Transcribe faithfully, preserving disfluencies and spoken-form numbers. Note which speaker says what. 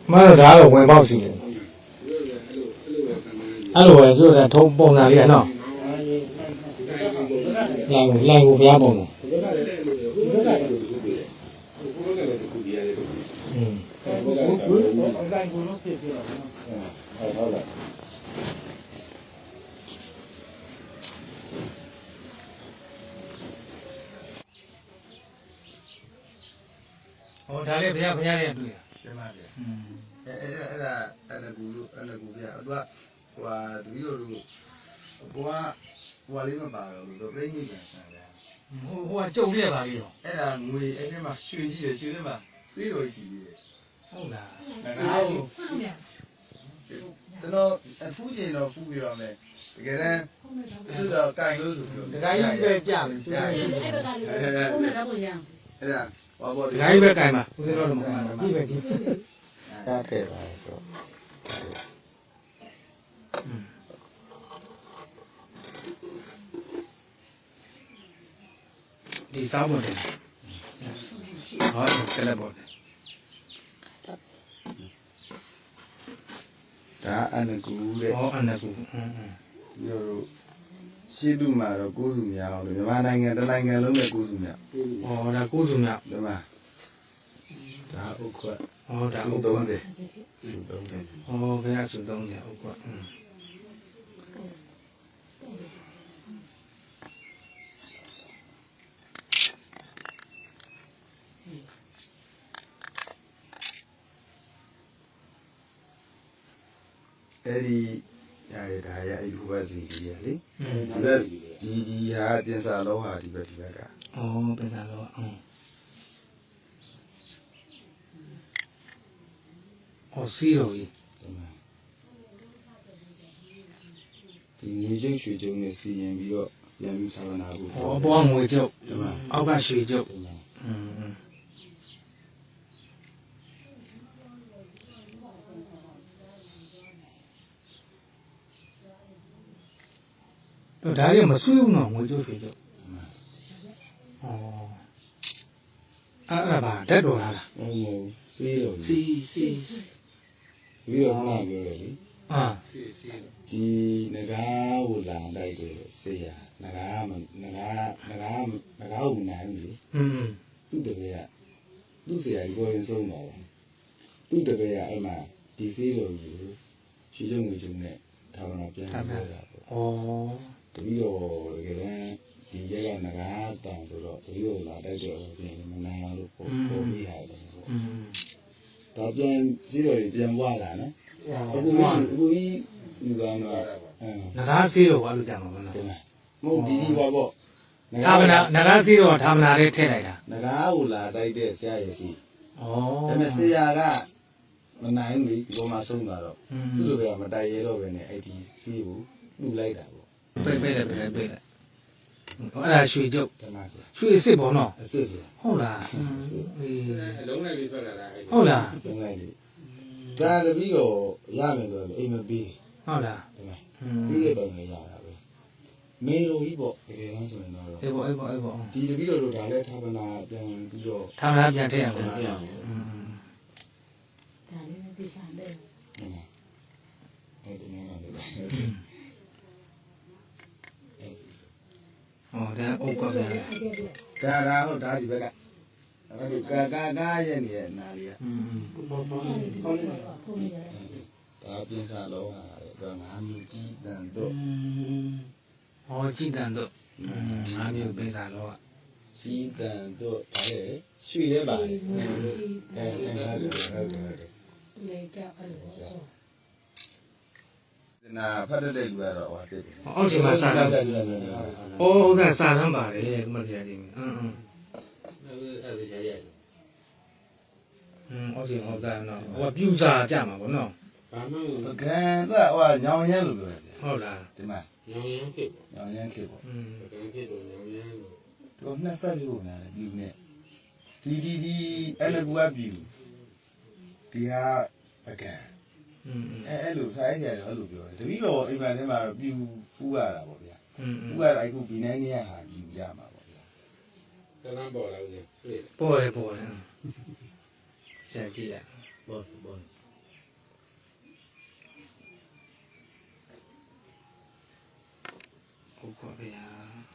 Speaker 1: မှန်တော့ဒါတော့ဝင်ပေါက်စီတယ်အဲ့လိုပဲဆိုတော့ထုံးပုံစံလေးကနော်လိုင်းလိုင်းကိုဖျားပုံတယ်อืมဟောဒါလေးဖျားဖျားလေးတွေ့တာ
Speaker 2: ကျမပြอืมအဲအဲ့ဒါအဲ့ဒါကူလို့အဲ့ဒါကူပြသူကဟိုဟာတပည့်တော်တို့ဘွားဘွားလေးမပါတော့ဘူးပြိဋိနိဗ္ဗာန်ဆံတယ်
Speaker 1: ဟိုဟိုကကြုံရပါလေရော
Speaker 2: အဲ့ဒါငွေအဲ့ဒီမှာရွှေကြီးတယ်ရွှေထဲမှာစေးတော်ကြီးတယ်
Speaker 1: ဟုတ်လား
Speaker 2: ငါ့ကိုကျွန်တော်အဖူးကျင်တော့ဖူးပြရမယ်တကယ်တမ်းသူတော့ကင်လို့ဆိုပြီး
Speaker 1: တခါကြီးပဲပြမယ်သူကအဲ့
Speaker 2: ဒါဟုတ်နေတော့ရအဲ့ဒါဘာပေါ်
Speaker 1: တခါကြီးပဲကင်ပါဦးဇင်းတော်တော့မကင်ပါကြည့်ပဲကြည့်
Speaker 2: တားတယ်ပါဆို
Speaker 1: ဒီစားဖို့တယ်ဟောကလည်းပေါ့
Speaker 2: ဒါအနကူတဲ့
Speaker 1: ဟောအနကူอืม
Speaker 2: ပြီးတော့ရှေ့တုမှာတော့ကိုးစုများအောင်လို့မြန်မာနိုင်ငံတစ်နိုင်ငံလုံးနဲ့ကိုးစုများ
Speaker 1: ဟောဒါကိုးစုများ
Speaker 2: ဒီမှာဒါဥက္ခွတ်
Speaker 1: ဟောဒါဥက္ခွတ်
Speaker 2: သုံးဆယ်သုံးဆယ်
Speaker 1: ဟောဘယ်အစုသုံးဆယ်ဥက္ခွတ်อืม
Speaker 2: အဲ့ဒီရရဒါရအယူဘစီကြီးရလေဒီဘက်ဒီဒီဟာပြင်စာလောဟာဒီဘက်ဒီဘက်က
Speaker 1: ဩပြင်စာလောအင်းဩစီရောကြီး
Speaker 2: ဒီငွေကျုပ်ရွှေကျုပ်နဲ့စီရင်ပြီးတော့ပြန်ပြီးဌာနကို
Speaker 1: ဩအပေါ်ငွေကျုပ်အောက်ကရွှေကျုပ်อืมတော့ဒါရီမဆွေးဘူးနော်ငွေကျုပ်ရွှေကျုပ်ဩအဲ့ဒါပါတက်တော်လား
Speaker 2: ဟုတ်ဟုတ်စီးတော့
Speaker 1: စီစီ
Speaker 2: ပြီးတော့နားပြောတယ်လေ
Speaker 1: အာ
Speaker 2: စီစီဒီငကားကိုလာတိုက်တယ်ဆေးရငကားမငကားငကားငကားကိုနိုင်ဘူးလေ
Speaker 1: อืม
Speaker 2: သူ့တပည့်ကသူ့ဆရာကြီးကိုရင်ဆုံးပါလားသူ့တပည့်ကအဲ့မှာဒီစီးတော်ကြီးရွှေကျုံငွေကျုံနဲ့ဌာနပြန်ပြောတာပေါ့
Speaker 1: ဩ
Speaker 2: တပည့်တော်တကယ်တမ်းဒီရက်ကငကားတန်ဆိုတော့တပည့်တော်လာတိုက်တယ်ပြန်မနိုင်အောင်လို့ပေါ်ပေါ်ပြီးဟာတယ်ပေါ့
Speaker 1: อืม
Speaker 2: ဒါပြန်စီးတော်ကြီးပြန်ဝလာနော်အခုအခုကြီးယူသွားတော့
Speaker 1: နဂါးစီးတော့ဘာလို့ကြမှာမလဲ
Speaker 2: မဟုတ်ဒီဒီပါပေါ့
Speaker 1: သာမနာနဂါးစီးတော့သာမနာလေးထည့်လိုက်တာ
Speaker 2: နဂါးကိုလာတိုက်တဲ့ဆရာရည်စီ
Speaker 1: ဩ
Speaker 2: ဒါပေမဲ့ဆရာကမနိုင်ဘူးဒီပေါ်မှာဆုံးသွားတော့သူ့လိုပဲမတိုက်ရဲတော့ပဲနဲ့အဲ့ဒီစီးကိုလူလိုက်တာပေါ့
Speaker 1: ပိတ်ပိတ်လိုက်ပိတ်လိုက်ပိတ်လိုက်အဲ့ဒါရွှေကျုပ်
Speaker 2: တမန်ပြ
Speaker 1: ရွှေအစ်စ်ပေါ့နော်
Speaker 2: အစ်စ်ပြ
Speaker 1: ဟုတ်လား
Speaker 2: အေး
Speaker 3: လုံးလိုက်ပြီးဆွဲလာတာ
Speaker 1: ဟုတ်လား
Speaker 2: လုံးလိုက်လေဒါတပြီးတော့ရမယ်ဆိုတော့အိမ်မပြီး
Speaker 1: ဟုတ်လား
Speaker 2: တမန်ပြီးတဲ့ပုံလေးရတာပဲမေလိုကြီးပေါ့တကယ်တမ်းဆိုရင်တော့
Speaker 1: အေးပေါ့အေးပေါ့အေးပေါ့
Speaker 2: ဒီတပြီးတော့ဒါလည်းဌာပနာပြန်ပြီးတော့
Speaker 1: ဌာပနာပြန်ထည့်ရအောင်
Speaker 2: ပြန်အောင်
Speaker 1: อืม
Speaker 4: ဒါလေးနဲ့သိချင်တယ်
Speaker 2: အဲ့ဒီနော်လေ
Speaker 1: ဟောဒါဥက္ကဋ္ဌ
Speaker 2: ဒါဒါဟုတ်ဒါဒီဘက်ကအဲ့ဒီကာကာကာရဲ့နေရဲ့နာလေးอ่ะ
Speaker 1: อืม
Speaker 4: ဟုတ်တယ်
Speaker 2: ဒါပြင်စာလောဟာတော့ငါမျိုးကြီးတန်တော့
Speaker 1: ဟောကြည်တန်တော့ငါမျိုးပြင်စာလောက
Speaker 2: ကြီးတန်တော့ဒါလေရွှေရဲပါလေအဲအဲဟုတ်တယ်ဟုတ်တယ်
Speaker 4: လေကြောက်အဲ့လိုဆို
Speaker 2: နာဖတ်တဲ့လူကတော့ဟောတယ်
Speaker 1: အောက်ချိန်မှာစာတမ်းဩဟုတ်ကဲ့စာတမ်းပါတယ်ဒီမှာဆရာကြီးအင်းအင်း
Speaker 3: အဲ့ဒါရရတယ်
Speaker 1: อืมအောက်ချိန်ဟုတ်တယ်နော်ဟိုပြူစာကြမှာပေါ့နော်
Speaker 3: ဘာမှ
Speaker 2: မကန်တော့ဟိုညောင်ရဲလို့ပြောတယ်
Speaker 1: ဟုတ်လား
Speaker 2: ဒီမှာ
Speaker 3: ညောင်ရမ်းဖြစ်ပေါ့
Speaker 2: ညောင်ရဲဖြစ်ပေါ့
Speaker 1: อืม
Speaker 3: ကံဖြစ်တော့ညောင်ရမ်းလို့
Speaker 2: တော့နှစ်ဆက်ပြီးပုံများတယ်ဒီနဲ့ဒီဒီဒီအဲ့လိုကပြူဒီဟာပကံ
Speaker 1: อืม
Speaker 2: အဲအဲ့လိုဖိုင်းကြတယ်အဲ့လိုပြောတယ်တပည့်တော်အိမ်မှာထဲမှာတော့ပြူဖူးရတာပေါ့ဗျာ
Speaker 1: อืม
Speaker 2: ဖူးရတာအခုဒီနိုင်နေရဟာပြူရမှာပေါ့ဗျာ
Speaker 3: တန်းပေါ်လာဦးလေ
Speaker 1: ပေါ်တယ်ပေါ်တယ်ဆရာကြည့်ရ
Speaker 2: ပေါ်ပေါ်
Speaker 1: ကွာဗျာ